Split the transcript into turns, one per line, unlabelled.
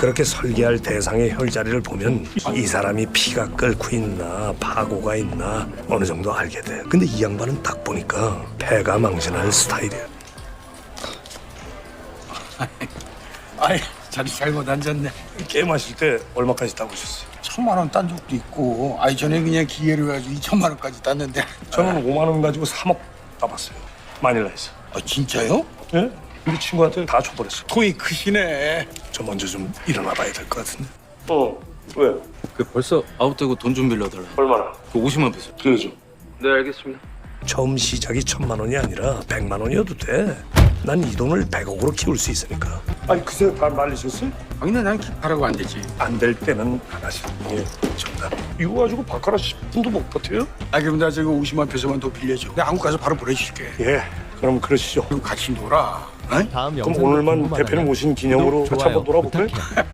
그렇게 설계할 대상의 혈자리를 보면 이 사람이 피가 끓고 있나 파고가 있나 어느 정도 알게 돼. 근데 이 양반은 딱 보니까 패가 망신할 스타일이야.
아이, 자리 잘못 앉았네.
게임하실 때 얼마까지 따보셨어요?
1,000만 원 딴 적도 있고. 아이, 전에 그냥 기회를 가지고 2천만 원까지 땄는데.
저는 5만 원 가지고 3억 따봤어요. 마닐라에서.
아, 진짜요?
예? 우리 친구한테 다 줘버렸어.
돈이 크시네.
저 먼저 좀 일어나 봐야 될 것 같은데. 왜?
그 벌써 아웃되고 돈 좀 빌려달라.
얼마나?
그 50만 페소.
빌려줘.
네, 알겠습니다.
처음 시작이 1,000만 원이 아니라 100만 원이어도 돼. 난 이 돈을 100억으로 키울 수 있으니까. 아니 그새 다 말리셨어요?
당연히 난 킵하라고 안 되지.
안 될 때는 안 하시는 게 정답. 이거 가지고 바카라 10분도 못 버텨요?
아, 그럼 나 저거 50만 페소만 더 빌려줘. 내가 한국 가서 바로 보내줄게.
예, 그럼 그러시죠.
그럼 같이 놀아. 어?
다음
그럼
영상도
오늘만
궁금하다면
대표님 오신 기념으로
구독,
같이 한번
좋아요
놀아볼까요?
부탁해요.